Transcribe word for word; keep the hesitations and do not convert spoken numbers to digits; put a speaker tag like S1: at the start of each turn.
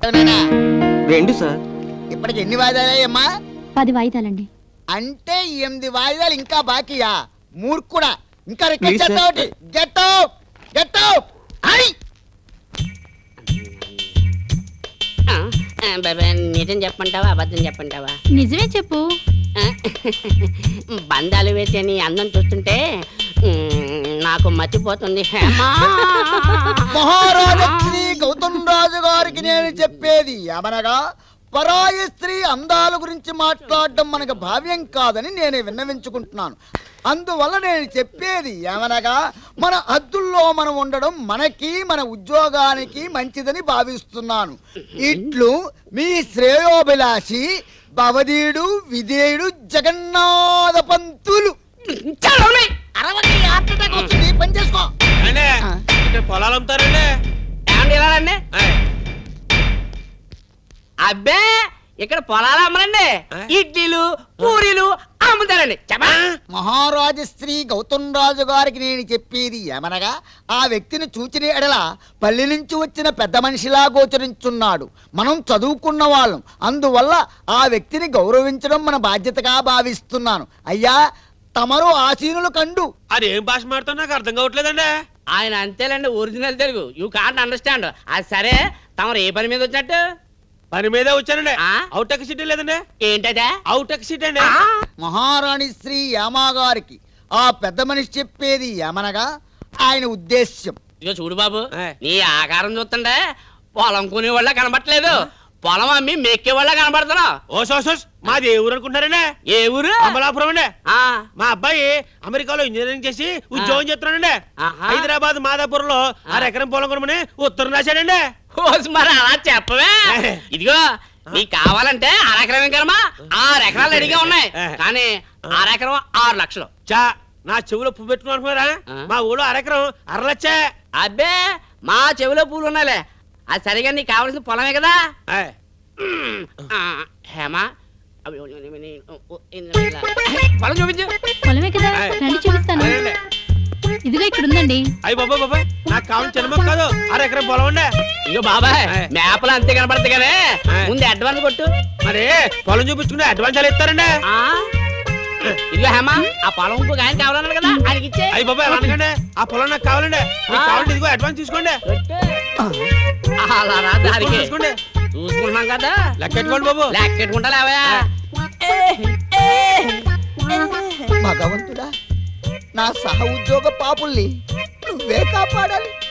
S1: రెండు సార్.
S2: ఇప్పటికి ఎన్ని వాయిదాలయ్యమ్మా?
S3: పది వాయిదాలండి.
S2: అంటే ఎనిమిది వాయిదాలు ఇంకా బాకీయా? మూర్ఖుడా, ఇంకా రిక్వెస్ట్ చేస్తావు? Get out, get out.
S4: నిజం చెప్పంటావా అబద్ధం చెప్పంటావా?
S3: నిజమే చెప్పు.
S4: బంధాలు వేసే నీ అందం చూస్తుంటే నాకు మర్చిపోతుంది.
S2: మహారాజా శ్రీ గౌతమ్ రాజు గారికి నేను చెప్పేది ఏమనగా, పరాయి స్త్రీ అందాల గురించి మాట్లాడడం మనకు భావ్యం కాదని నేను విన్నవించుకుంటున్నాను. అందువల్ల నేను చెప్పేది ఏమనగా, మన హద్దుల్లో మనం ఉండడం మనకి మన ఉద్యోగానికి మంచిదని భావిస్తున్నాను. ఇట్లు మీ శ్రేయోభిలాషి భవదీయుడు విధేయుడు జగన్నాథ పంతులు. పని చేసుకో.
S1: పొలాలు అమ్ముతారండి.
S4: అబ్బే ఇక్కడ పొలాలు అమ్మరండి, ఇడ్లీలు పూరీలు అమ్ముతారండి.
S2: మహారాజు శ్రీ గౌతమ్ రాజు గారికి నేను చెప్పేది ఏమనగా, ఆ వ్యక్తిని చూచిన ఎడల పల్లె నుంచి వచ్చిన పెద్ద మనిషిలా గోచరించున్నాడు. మనం చదువుకున్న వాళ్ళం, అందువల్ల ఆ వ్యక్తిని గౌరవించడం మన బాధ్యతగా భావిస్తున్నాను. అయ్యా తమరు ఆసీనులు కండు.
S1: అది ఏం భాష మాడుతున్నా నాకు అర్థం కావట్లేదండి.
S4: ఆయన అంతేలేండి, original Telugu. You can't understand. అది సరే, తమరు ఏ పని మీద వచ్చినట్టు?
S1: పని మీదే వచ్చానండి. అవుట్ ఎక్ సీట్ లేదండి.
S4: ఏంటదే?
S1: అవుట్ ఎక్ సీట్ అండి.
S2: మహారాణి శ్రీ యామా గారికి ఆ పెద్ద మనిషి చెప్పేది ఏమనగా, ఆయన ఉద్దేశ్యం.
S4: ఇక చూడు బాబు, నీ ఆకారం చూస్తుండే పొలం కొనే వాళ్ళ కనబట్టలేదు, పొలం అమ్మి మెక్కే వాళ్ళ కనబడుతున్నావు.
S1: ఓ సోసోస్, మాది ఏ ఊరు అనుకుంటారండి?
S4: ఏ ఊరు?
S1: అమలాపురం అండి. మా అబ్బాయి అమెరికాలో ఇంజనీరింగ్ చేసి ఉద్యోగం చేస్తున్నాడండి. హైదరాబాద్ మాదాపూర్ లో ఆరు ఎకరం పొలం కొనమని ఉత్తరం రాశాడండి.
S4: మరి అలా చెప్పవే. ఇదిగో నీకు కావాలంటే అరెకరం కరమా ఆరు ఎకరాలు రెడీగా ఉన్నాయి, కానీ అరెకరం ఆరు లక్షలు.
S1: చా నా చెవులో పువ్వు పెట్టుకుని అనుకున్నారా? మా ఊళ్ళో అరెకరం అర లక్షే.
S4: అబ్బే మా చెవిలో పూలు ఉన్నాయిలే. అది సరిగా నీకు కావాల్సిన పొలమే కదా. హేమా పొలం చూపించు.
S3: పొలమే కదా, రండి చూపిస్తాను. ఇదిగో ఇక్కడ ఉందండి.
S1: అయ్యి బాబా బాబాయ్, నాకు కావాల్సిన చిన్న మొక్క కాదు, అర ఎకరం పొలం ఉండే.
S4: ఇగో బాబాయ్, మేపలు అంతే కనపడతాయి కానీ ముందు అడ్వాన్స్ కొట్టు.
S1: మరి పొలం చూపించుకుంటే అడ్వాన్స్ ఎలా ఇస్తారండి?
S4: ఇదిగో హేమా, ఆ పొలం ఇంకొక ఆయన కావాలన్నారు కదా, ఆయనకి ఇచ్చే.
S1: అయ్యి బాబాయ్ అనకండి, ఆ పొలం నాకు కావాలండి. మీకు కావాలంటే ఇదిగో అడ్వాన్స్ తీసుకోండి.
S4: తీసుకోండి, చూసుకుంటున్నాం కదా.
S1: లెక్కెట్టుకోండి బాబు.
S4: లెక్కెట్టుకుంటా లేవా?
S2: భగవంతుడా, నా సహ ఉద్యోగ పాపుల్ని నువ్వే కాపాడాలి.